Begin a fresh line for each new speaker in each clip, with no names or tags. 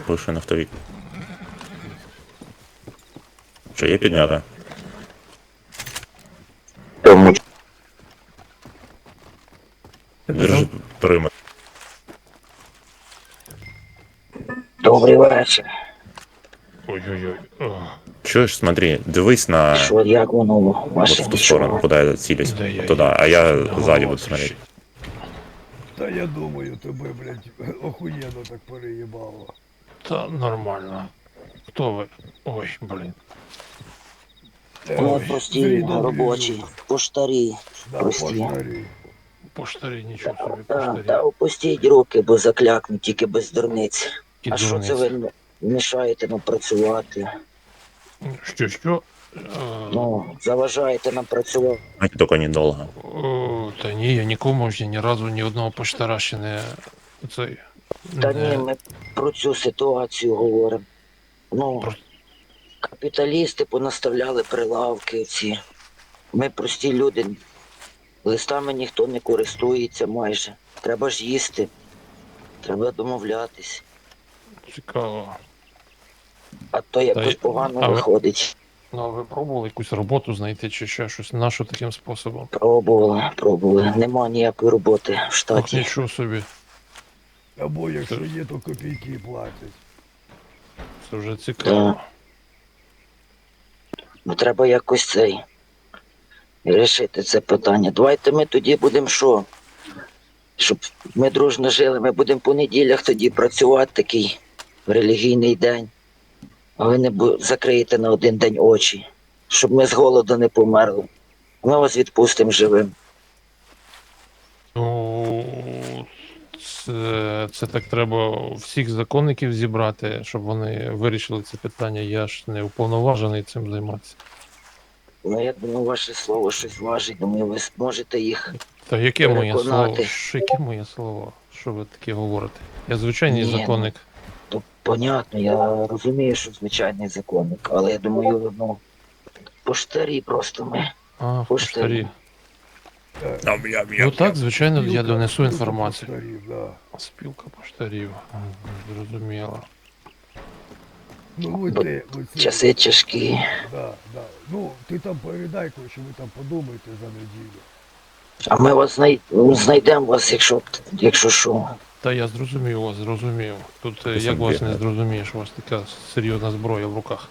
Бывший нафтовик. Що, є підняти?
Тому
Держи периметр.
добрий вечір.
Ой-ой-ой.
Чуєш, смотри, дивись на...
Що, як воно у
Вот
ваше
в ту сторону, куда я целюсь.
Да я-
Вот туда, а я
голова
сзади буду смотреть.
трещить.
Та я думаю, тебе, блядь, охуєнно так переїбало.
Та нормально. Хто ви? Ой, блін.
Ну,
Ой,
прості,
зрідом
робочі,
біжу.
поштарі.
Да,
прості.
поштарі.
Поштарі, нічого собі,
Та
поштарі.
опустіть руки, бо заклякну, тільки без дурниць.
І
А що це ви мішаєте нам працювати?
Що?
Ну, заважаєте нам працювати.
Только недолго.
Та ні, я нікому ще ні разу ні одного поштара ще не... Цей...
Та ні, ми про цю ситуацію говоримо. Ну,
Про-
капіталісти понаставляли прилавки ці. Ми прості люди. Листами ніхто не користується майже. Треба ж їсти. Треба домовлятись.
Цікаво.
А то якось
й-
погано
а ви-
виходить.
Ну, а ви пробували якусь роботу знайти чи ще щось? Нащо таким способом?
Пробували. Нема ніякої роботи в
Ох,
штаті.
нічого собі.
Або якщо є, то копійки платять.
Це вже цікаво.
Ну, треба якось цей рішити це питання. Давайте ми тоді будемо що? Щоб ми дружно жили, ми будемо по неділях тоді працювати такий релігійний день. А ви не закриєте на один день очі, щоб ми з голоду не померли. Ми вас відпустимо живим.
Ну, це так треба всіх законників зібрати, щоб вони вирішили це питання. Я ж не уповноважений цим займатися.
Ну, я думаю, ваше слово щось важить. Думаю, ви зможете їх.
Та яке моє
Переконати.
слово? Яке моє слово? Що ви таке говорите? Я звичайний
Ні,
законник.
То понятно, я розумію, що звичайний законник, але я думаю, ну, поштарі просто ми.
А,
поштарі.
поштарі. Ну так, звичайно, я донесу
Спілка
інформацію.
поштарів, да.
Спілка поштарів. Зрозуміло.
Ну ви
Бо
те, ви це.
Часи тяжкі.
Да. Ну, ти там передай, що ви там подумаєте за неділю.
А ми вас знайдемо вас, якщо що.
Та я зрозумів вас, зрозумів. Тут як
сам
вас не
бігає.
зрозумієш, у вас така серйозна зброя в руках.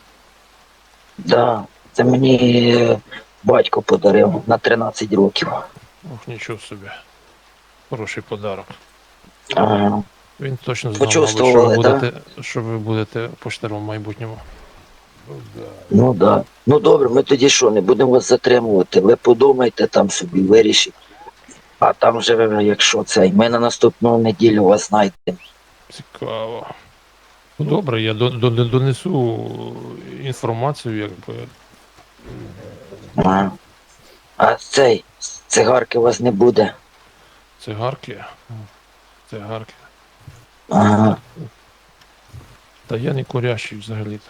Да, це мені батько подарив на 13 років.
Ох, нічого собі. Хороший подарок.
Ага.
Він точно знав, мабуть,
Почувствували,
що ви будете поштаром в майбутньому.
Ну да.
Ну да. Ну добре, ми тоді що, не будемо вас затримувати. Ви подумайте там собі, вирішіть. А там вже, якщо це, ми на наступну неділю вас знайдемо.
Цікаво. Ну добре, я донесу інформацію, якби.
Ага. А цей, цигарки у вас не буде.
Цигарки. Цигарки.
Ага.
Та я не курящий взагалі-то.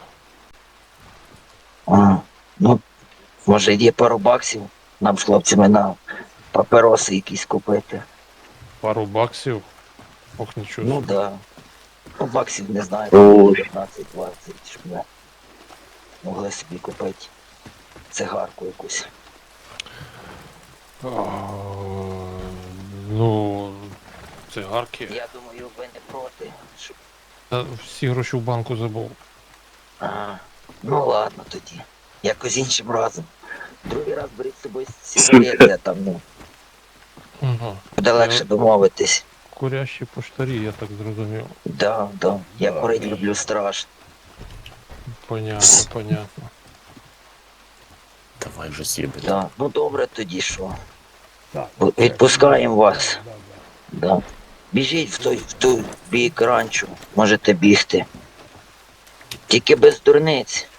Ага. Ну, може є пару баксів нам з хлопцями на папіроси якісь купити.
Пару баксів. Ох, нічого.
Ну
собі.
да. Ну, баксів не знаю, 15-20, щоб ми могли собі купити цигарку якусь.
А, ну, цигарки.
Я думаю, ви не проти. Щоб...
Та всі гроші в банку забув.
Ага. Ну ладно тоді. Якось іншим разом. Другий раз беріть з собою сигарети, а там ну,
Ага.
буде легше домовитись.
Курящі поштарі, я так зрозумів.
Да. Я курить люблю страшно.
Понятно.
Давай вже съебать.
Да. Ну добре тоді що.
Так.
Відпускаємо вас.
Да.
Да. Біжіть в той бік ранчо, можете бігти. Тільки без дурниць.